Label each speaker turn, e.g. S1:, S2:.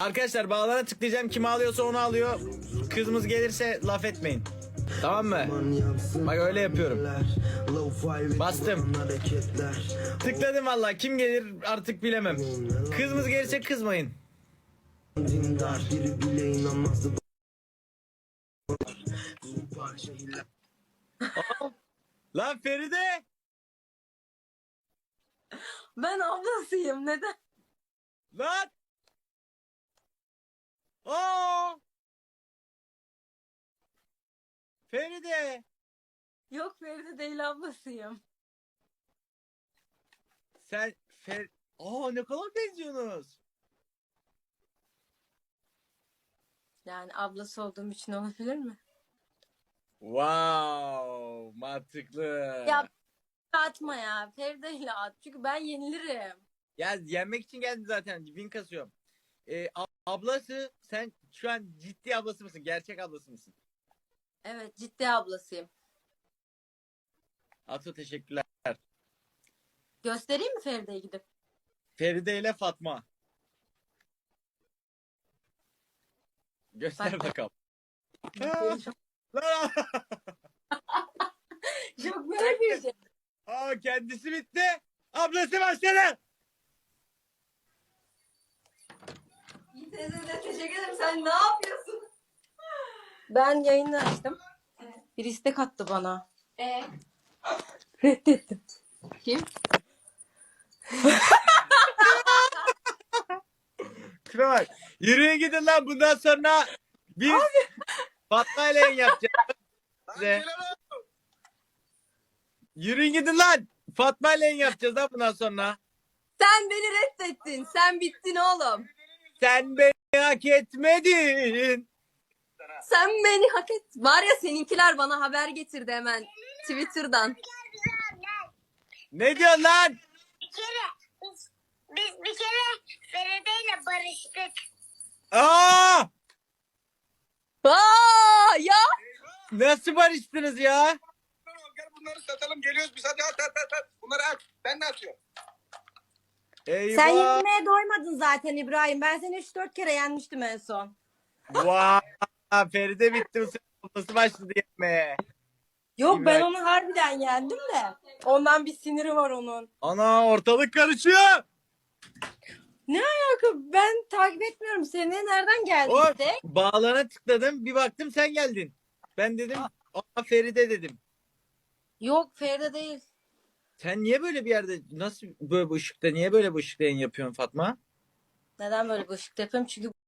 S1: Arkadaşlar bağlana tıklayacağım. Kim alıyorsa onu alıyor. Kızımız gelirse laf etmeyin. Tamam mı? Bak öyle yapıyorum. Bastım. Tıkladım valla. Kim gelir artık bilemem. Kızımız gelirse kızmayın. Lan Feride!
S2: Ben ablasıyım. Neden?
S1: Lan! Aa! Feride!
S2: Yok Feride değil ablasıyım.
S1: Sen Aa, ne kadar benziyorsunuz.
S2: Yani ablası olduğum için olabilir mi?
S1: Wow, mantıklı.
S2: Ya atma ya. Feride ile at. Çünkü ben yenilirim.
S1: Ya yenmek için geldim zaten. Win kasıyorum. Ablası, sen şu an ciddi ablası mısın? Gerçek ablası mısın?
S2: Evet, ciddi ablasıyım.
S1: Atu teşekkürler.
S2: Göstereyim mi Feride'ye gidip?
S1: Feride ile Fatma. Göster
S2: Bak.
S1: bakalım.
S2: Çok,
S1: Lan!
S2: çok merak ediyorum.
S1: Aa, kendisi bitti. Ablası başladı.
S2: İyi teyze teşekkür ederim. Sen ne yapıyorsun? Ben yayını açtım. Bir istek attı bana. Reddettim. Kim?
S1: Şuna bak. Yürüyün gidin lan, bundan sonra biz Fatma ile yayın yapacağız. Size. Yürüyün gidin lan. Fatma ile yayın yapacağız ha bundan sonra.
S2: Sen beni reddettin. Sen bittin oğlum.
S1: Sen beni hak etmedin.
S2: Sen beni hak et. Var ya seninkiler bana haber getirdi hemen Twitter'dan.
S1: Ne diyorsun lan?
S3: Biz bir kere Feride'yle barıştık.
S1: Aa!
S2: Aa ya.
S1: Nasıl barıştınız ya?
S4: Gel bunları satalım, geliyoruz biz, hadi at. Bunları at. Ben ne atıyorum?
S1: Eyvah.
S2: Sen yenilmeye doymadın zaten İbrahim. Ben seni 3-4 kere yenmiştim en son.
S1: Vay. Feride bitti. Bu sefer ablası başladı yenmeye.
S2: Yok ben
S1: İbrahim.
S2: onu harbiden yendim de. Ondan bir siniri var onun.
S1: Ana, ortalık karışıyor.
S2: Ben takip etmiyorum seni. Nereden geldi
S1: O
S2: işte?
S1: bağlana tıkladım. Bir baktım sen geldin. Ben dedim aa, Feride dedim.
S2: Yok Feride değil.
S1: Sen niye böyle bir yerde, nasıl böyle bu ışıkta, niye böyle bu ışıkta yayın yapıyorsun Fatma?
S2: Neden böyle bir ışık yapıyorum? Çünkü